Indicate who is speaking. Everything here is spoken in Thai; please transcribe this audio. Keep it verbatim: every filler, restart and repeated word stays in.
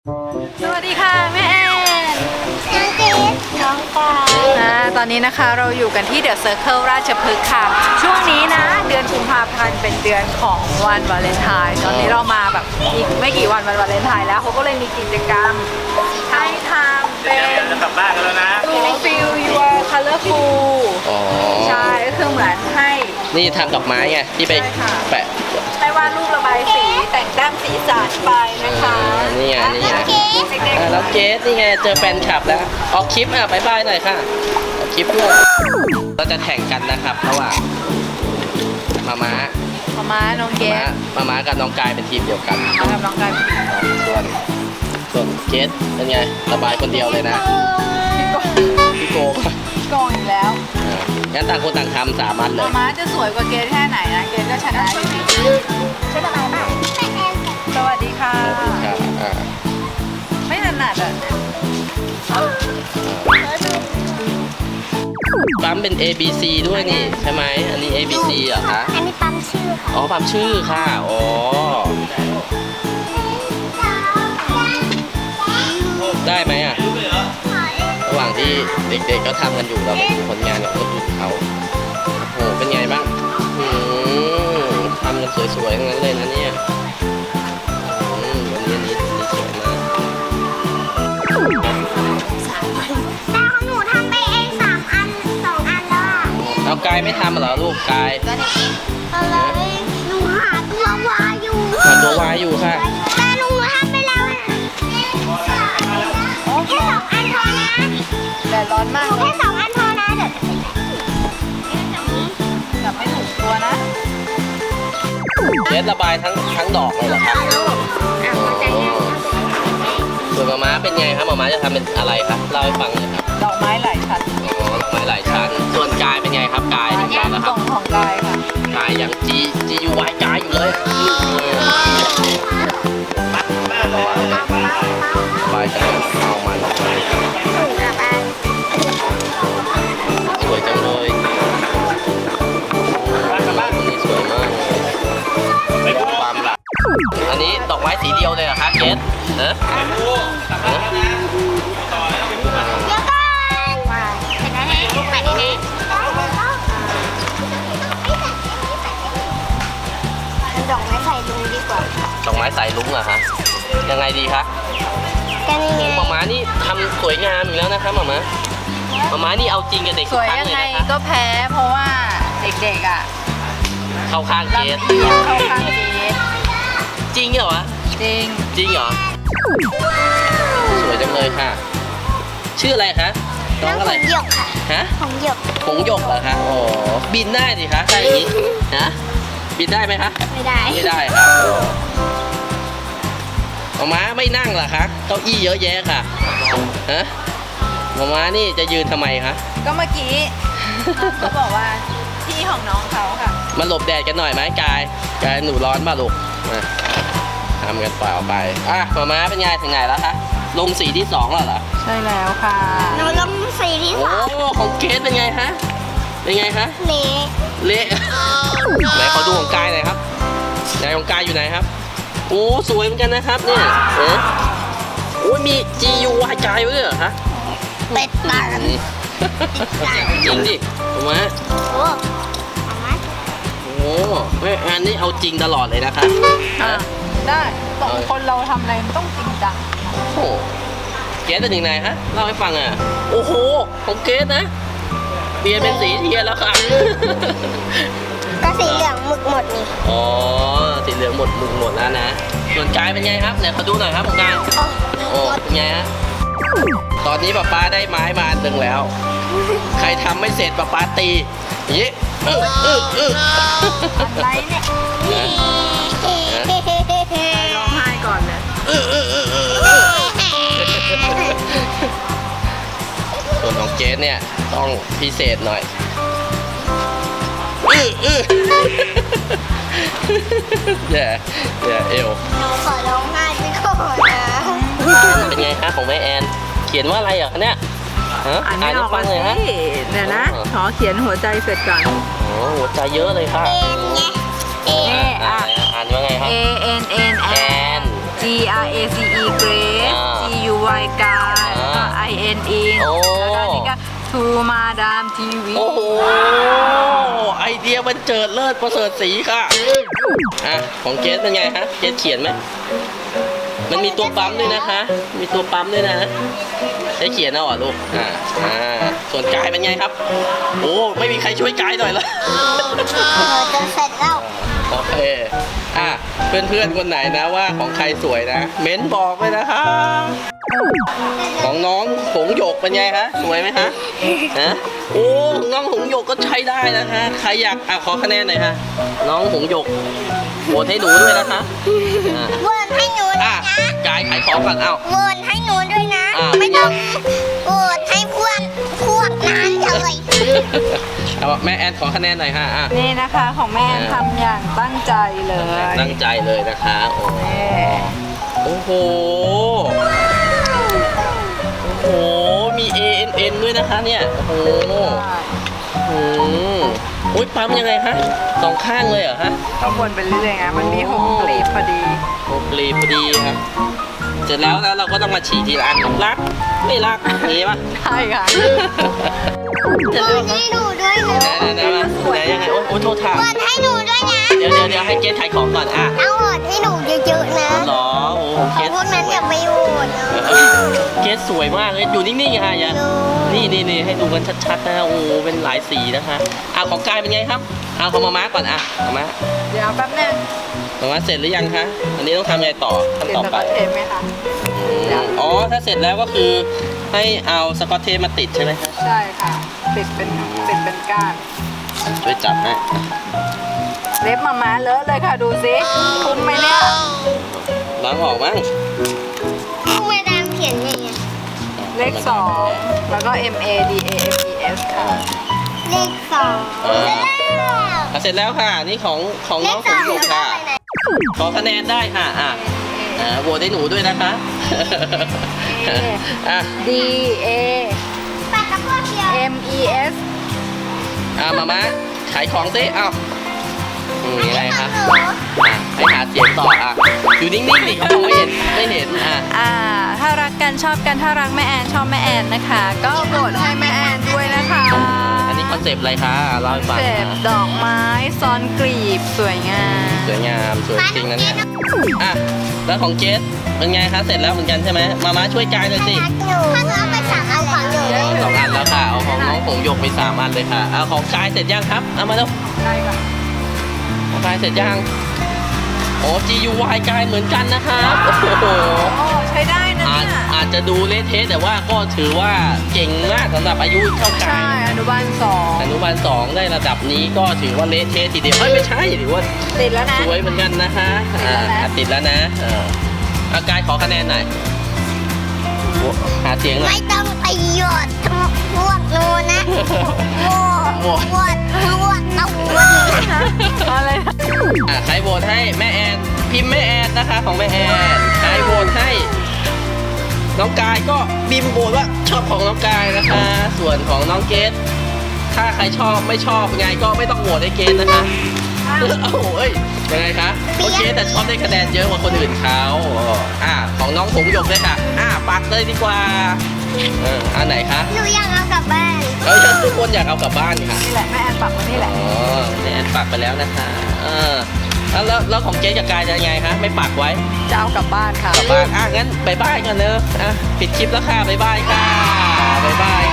Speaker 1: สวัสดีค่ะแม่แอนน้องเกดน้องปานะตอนนี้นะคะเราอยู่กันที่เดอะเซอร์เคิลราชพฤกษ์ค่ะช่วงนี้นะเดือนกุมภาพันธ์เป็นเดือนของวันวาเลนไทน์ตอนนี้เรามาแบบอีกไม่กี่วันวันวาเลนไทน์แล้วเขาก็เลยมีกิจกรรมให้ทำเป็น
Speaker 2: จะกลับบ้านกันแล้วนะ
Speaker 1: Feel Your Colorful
Speaker 3: อ๋อ
Speaker 1: ใช่ก็คือเหมือนให้
Speaker 3: นี่ทำดอกไม้ไงที่ไปแปะ
Speaker 1: ให้วาดรูประบายสีแต่งแต้มสีสันไปนะคะ
Speaker 3: นี่ไงนี่ไง
Speaker 1: เด็ก
Speaker 3: อ่ะแล้วเกสนี่ไงเจอแฟนคลับแล้วออกคลิปอ่ะบายบายหน่อยค่ะออกคลิปด้วยเราจะแข่งกันนะครับระหว่างมาม้า
Speaker 1: มาม่าน้องเก
Speaker 3: มา
Speaker 1: ด
Speaker 3: ม้ามาม้ากับน้องกายเป็นทีมเดียวกัน
Speaker 1: มากับน้องกัน
Speaker 3: ส่วนส่วนเกสเป็นไงระบายคนเดียวเลยนะ
Speaker 1: พี่โก
Speaker 3: พี่โกง
Speaker 1: โกงอีกแล้ว
Speaker 3: อ่ะงั้นต่างคนต่างทำสามอันเล
Speaker 1: มาย ม่าจะสวยกว่าเกดแค่ไหนนะเกดก็ชนะอยู่ดีใช่ระบายบ้างสวัสดีค่ะ
Speaker 3: ครับอ่า
Speaker 1: ไม่ถนัดอ่ะ
Speaker 3: ปั๊มเป็น A B C ด้วยนี่ใช่ไหมอันนี้ A B C เหรอคะ
Speaker 4: อันนี้ปั๊มชื่อค่ะ
Speaker 3: อ๋อปั๊มชื่อค่ะอ๋อได้ไหมอ่ะระหว่างที่เด็กๆก็ทำกันอยู่เรามาดูผลงานของคนอื่นเขาโอ้โหเป็นไงบ้างอืมทำกันสวยๆทั้งนั้นเลยนะเนี่ยอืมวันนี้อันนี้อันนี้สวยมาก
Speaker 4: แต่ของหนูทำไปเองสามอันสองอันแล้วอ่ะ
Speaker 3: เอากายไม่ทำเหรอลูกกาย
Speaker 4: อะไรหนูหาตัววาอยู่
Speaker 3: หาตัววายอยู่ค่ะ
Speaker 4: แต่หนูทำไปแล้วนะแค่สองอันพอนะ
Speaker 1: แดดร้อนมาก
Speaker 4: แค่สองอันพอนะเดี๋ยว
Speaker 1: จับไม่ถูกตัวนะ
Speaker 3: เกสระบายทั้งทั้งดอกเลยเหรอครับ
Speaker 4: อ่ะเข้าใจนะ
Speaker 3: ส่วนมาม้าเป็นไงครับมาม้าจะทำเป็นอะไรครับเล่าให้ฟังหน่อยครับ
Speaker 1: ดอกไม้หลายชั้น
Speaker 3: อ๋อดอกไม้หลายชั้นส่วนกายเป็นไงครับกายเป็นไงแล้วค
Speaker 1: ก
Speaker 3: รั
Speaker 1: ล่
Speaker 3: บ
Speaker 1: องของกายค่ะ
Speaker 3: กายยังจีจียูวายกายอยู่เลยสบายใจเอามันสวยจังเลยคนนี้สวยมากเลยความรักอันนี้ดอกไม้สีเดียวเลยเหรอคะเกสเนอะเนอะ
Speaker 4: เดี๋ยวก่อนเสร็จแล้วนะลูกใหม่ได้ไหมดอกไม้ใส่ลุงดีกว่า
Speaker 3: ดอกไม้สายลุ้งเหรอคะยังไงดีคะ
Speaker 4: กันยังไง
Speaker 3: หมาม้านี่ทำสวยงามอยู่แล้วนะคะหมาม้าหมาม้านี่เอาจริงกับเด็ก
Speaker 1: ส
Speaker 3: ทุก
Speaker 1: วย
Speaker 3: ครั้ง
Speaker 1: ยัง
Speaker 3: เลย
Speaker 1: ไง
Speaker 3: นะคะ
Speaker 1: ก็แพ้เพราะว่าเด็กๆอ่ะ
Speaker 3: เข้าข้างเกส
Speaker 1: ลำเอียงเข้าข้างเกด
Speaker 3: จริงเหรอวะ
Speaker 1: จริง
Speaker 3: จริงเหรอสวยจังเลยค่ะ ชื่ออะไรคะน้
Speaker 4: น้
Speaker 3: อ
Speaker 4: อง ง
Speaker 3: อะไร
Speaker 4: หงหยกค่ะ
Speaker 3: ฮะ
Speaker 4: หงหยก
Speaker 3: หงหยกเหรอคะโอ้บินได้สิคะใช่อย่างนี้ฮะบินได้ไหมคะ
Speaker 4: ไม่ได้
Speaker 3: ไม่ได้ค่ะหมาม้าไม่นั่งเหรอคะเก้าอี้เยอะแยะค่ะฮะหมาม้านี่จะยืนทำไมคะ
Speaker 1: ก็เมื่อกี้น้องเขาบอกว่าที่ของน้องเขาค่ะ
Speaker 3: มาหลบแดดกันหน่อยไหมกายกายหนูร้อนป่ะลูกมาทำกันเปล่าไปอ่ะหมาม้าเป็นไงถึงไหนแล้วคะลงสีที่สองแล้วเหรอ
Speaker 1: ใช่แล้วค่ะ
Speaker 4: หนูลงสีที่
Speaker 3: โอ้
Speaker 4: สอง
Speaker 3: ของเกสเป็นไงฮะเป็นไงคะ
Speaker 4: เละ
Speaker 3: เละไหนขอดูของกายหน่อยครับไหนของกายอยู่ไหนครับโอ้สวยเหมือนกันนะครับเนี่ยเอ๊ะโอ้ยมี G U Y กายไว้ด้วยเหรอคะ
Speaker 4: เป็ดตา
Speaker 3: อืมจริงดิถูกไหม
Speaker 4: โอ้เอามา
Speaker 3: โอ้แม่อันนี้เอาจริงตลอดเลยนะคะ
Speaker 1: อ่ะได้สองคนเราทำอะไรมันต้องจริงจัง
Speaker 3: โอ้โหเกสเป็นยังไงฮะเล่าให้ฟังอ่ะโอ้โหของเกสนะเปลี่ยนเป็นสีเทียนแล้วค่ะ
Speaker 4: ก็สีเหลืองหมึกหมดนี่
Speaker 3: อ๋อสีเหลืองหมดมุมหมดแล้วนะส่วนกายเป็นไงครับเนี่ยขอดูหน่อยครับของกาย
Speaker 4: โอ้
Speaker 3: โอ้เป็นไงฮะตอนนี้ป๊าป๊าได้ไม้มาอันหนึ่งแล้ว ใครทำไม่เสร็จป๊าป๊าตีอย่างนี้เออเออเออ
Speaker 1: อะไรเนี่ย
Speaker 3: นะ
Speaker 1: ร้องไห้ก่อนเลย
Speaker 3: เออเออเออเออส่วนของเจสเนี่ยต้องพิเศษหน่อยเออเออแย่แย่เอว
Speaker 4: หนูขอร้องไห้ไปก่อนนะ
Speaker 3: เป็นไงคะของแม่แอน เขียนว่าอะไรเหรอคะเนี่ยฮะ
Speaker 1: อ่านไม่อ
Speaker 3: ให้
Speaker 1: อก
Speaker 3: ฟังเลยฮะ
Speaker 1: สิเดี๋ยวนะ ขอเขียนหัวใจเสร็จก่อน
Speaker 3: โอ้หัวใจเยอะเลยค่ะ
Speaker 4: เอ็นไงเอ็น
Speaker 1: อ่ะ
Speaker 3: อ่านว่าไงครับ
Speaker 1: A N N
Speaker 3: แอ
Speaker 1: N
Speaker 3: น
Speaker 1: G R A C E Grace Y กายแล้วก็ I N E
Speaker 3: โอ้
Speaker 1: แล้วก็นี่ก็ To Madam ที วี
Speaker 3: โอ้โห ไอเดียมันเจิดเลิศประเสริฐสีค่ะ อ่ะ ของเกสเป็นไงฮะ เกสเขียนไหม มันมีตัวปั๊มด้วยนะคะ มีตัวปั๊มด้วยนะใช้เขียนเอาเหรอลูก อ่า อ่า ส่วนกายเป็นไงครับ โอ้ ไม่มีใครช่วยกายหน่อยเหรอ
Speaker 4: เราจะเสร็จแล้ว
Speaker 3: โอเค อ่ะ เพื่อนๆ คนไหนนะว่าของใครสวยนะ เม้นบอกเลยนะคะ ของน้องหงหยกเป็นไงคะสวยไหมคะฮะโอ้ของน้องหงหยกก็ใช้ได้นะคะใครอยากอ่ะขอคะแนนหน่อยค่ะน้องหงหยกโหวตให้หนูด้วยนะคะอ่ะ
Speaker 4: โหวตให้หนูด้ว
Speaker 3: อ่ะ
Speaker 4: ยนะ
Speaker 3: กายขายของก่อนเอ้า
Speaker 4: โหวตให้หนูด้วยนะ
Speaker 3: อ่า
Speaker 4: ไม่ต้องโหวตให้พวกพวกนั้นเลย
Speaker 3: เอาแม่แอนขอคะแนนหน่อยค่ะอ่ะ
Speaker 1: นี่นะคะของแม่แอนทำอย่างตั้งใจเลย
Speaker 3: ตั้งใจเลยนะคะโอ้
Speaker 1: นี่
Speaker 3: โอ้โหโอ้โหมี A N N ด้วยนะคะเนี่ยโอ้โห อืมอุ้ยปั๊มยังไงฮะสองข้างเลยเหรอฮะ
Speaker 1: ต้องวนไปเรื่อยๆไงมันมีหกกลีบพอดี
Speaker 3: โอ้ปรีพอดีครับเสร็จแล้วนะเราก็ต้องมาฉีดทีละอันรักไม่รักอย่างนี้ป่ะ
Speaker 1: ใช่ค่ะ
Speaker 3: เสร็จ
Speaker 4: โหว
Speaker 3: แล้ว
Speaker 4: ตให้หนูด้วยนะ
Speaker 3: ไหนไหนไหนไหนยังไงโอ้โอ้โทษถาม
Speaker 4: โหวตให้หนูด้วยนะ
Speaker 3: เดี๋ยวเดี๋ยวเดี๋ยวให้เกสขายของก่อนอ่ะ
Speaker 4: เอาโหวตให้หนูเยอะๆนะ
Speaker 3: หรอโอ้โหเกส
Speaker 4: พวกนั้นอย่าไปโหวตนะ
Speaker 3: เกสสวยมากเลยอยู่นิ่งๆค่ะอย่า
Speaker 4: ดู
Speaker 3: นี่นี่นี่ให้ดูกันชัดๆนะโอ้โหเป็นหลายสีนะคะอ่ะของกายเป็นไงครับเอาของมาม่าก่อนอ่ะมาม่า
Speaker 1: เดี๋ยวแป๊บนึง
Speaker 3: มาม่าเสร็จหรือยังคะอันนี้ต้องทำยังไงต่อขั้น
Speaker 1: เดี๋ยว
Speaker 3: ต่อ
Speaker 1: จะ
Speaker 3: ไป
Speaker 1: มาเทปไหมคะ
Speaker 3: อืมอ๋อ ถ้าเสร็จแล้วก็คือให้เอาสกอตเทปมาติดใช่ไหมครับ
Speaker 1: ใช่ค่ะติดเป็นติดเป็นก้าน
Speaker 3: ช่วยจับให้
Speaker 1: เล็บมาม้าเลอะเลยค่ะดูสิคุ้มไหมเนี่ย
Speaker 3: ล้างออกมั้ง
Speaker 4: พวกแม่ดามเขียนยังไง
Speaker 1: เลขสองแล้วก็ M A D A M E S ค่ะ
Speaker 4: เลขสอง
Speaker 3: อ่า
Speaker 4: แล้ว
Speaker 3: อ่ะเสร็จแล้วค่ะ นี่ของของ
Speaker 4: เล
Speaker 3: น้อ
Speaker 4: ข
Speaker 3: ง
Speaker 4: ส
Speaker 3: ฝ
Speaker 4: อน ง
Speaker 3: หยก
Speaker 4: แล้วก็
Speaker 3: ค่ะ
Speaker 4: ไปไหน
Speaker 3: ขอคะแนนได้ค่ะอ่ะอ่าโหวตให้หนูด้วยนะคะ อ่ะ
Speaker 1: D A
Speaker 4: ปากกระพวกเดียว
Speaker 1: M E S
Speaker 3: อ่ะมามาขายของซิเอ้าอืมยังไงคะ
Speaker 4: หนู
Speaker 3: อ่ะให้หาเสียงต่ออ่ะอยู่นิ่งๆดิเขามองไม่เห็นไม่เห็นอ่ะ
Speaker 1: อ่าถ้ารักกันชอบกันถ้ารักแม่แอนชอบแม่แอนนะคะ ก็โหวตให้แม่แอนด้วยนะคะ
Speaker 3: อันนี้คอนเซปต์อะไรคะอ่ะเล่าให้ฟัง
Speaker 1: เจ็บดอกไม้ซ้อนกลีบสวยงาม
Speaker 3: สวยงามสวยจริงนะเนี่ย อ่ะ แล้วของเจสเป็นไงคะ เสร็จแล้วเหมือนกันใช่ไหมมามาช่วยกายหน่อยสิ
Speaker 4: รักหนูถ้าหนูเอาไปสามเอาของหนู
Speaker 3: อ๋อสองอันแล้วค่ะ เอาของน้องผมยกไปสามอันเลยค่ะ เอาของกายเสร็จยังครับ เอามาแล้ว
Speaker 1: ใช่ค่ะ
Speaker 3: ของกายเสร็จยังโอ้ G U Y กายเหมือนกันนะครับโอ้โห
Speaker 1: โอ้ใช้ได้นะ
Speaker 3: อาจ
Speaker 1: เนี่ย
Speaker 3: อาจจะดูเละเทะแต่ว่าก็ถือว่าเก่งมากสำหรับอายุเท่ากั
Speaker 1: ใช่
Speaker 3: น
Speaker 1: อนุบาลสอง
Speaker 3: อนุบาลสองได้ระดับนี้ก็ถือว่าเละเทะทีเดียวเอ้ยไม่ใช่ถือว่า
Speaker 1: ติดแล้วนะ
Speaker 3: สวยเหมือนกันนะคะอ่าอ่ะติดแล้วนะเออเอากายขอคะแนนหน่อยโอ้หาเสียงหน่อย
Speaker 4: ไม่ต้องไปหยดพวกหนูนะโหวตโหวตโหวตเอาโหวตนะ
Speaker 1: อะไรนะ
Speaker 3: อ่ะใครโหวตให้แม่แอนพิมพ์แม่แอนนะคะของแม่แอนใครโหวตให้น้องกายก็บิมโหวตว่าชอบของน้องกายนะคะ ส่วนของน้องเกดถ้าใครชอบไม่ชอบยังไงก็ไม่ต้องโหวตให้เกดนะคะเอ้าเอ้ยยังไงคะโอเคแต่ชอบได้คะแนนเยอะกว่าคนอื่นเขาอ่าของน้องผงหยกเลยค่ะอ่าปักเลยดีกว่าเอออันไหนคะ
Speaker 4: หนูอยากเอากลับบ้าน
Speaker 3: เออทุกคนอยากเอากลับบ้านค่ะ
Speaker 1: นี่แหละแม่แอนปักมานี่แหละ
Speaker 3: อ๋อแม่แอนปักไปแล้วนะคะเออแล้วแล้วแล้วของเจ๊กับกายจะยังไงคะไม่ปักไว้
Speaker 1: จะเอากลับบ้านค่ะ
Speaker 3: กลับบ้านอ่ะงั้นบายบายกันเนอะอ่ะปิดคลิปแล้วค่ะบายบายค่ะบายบาย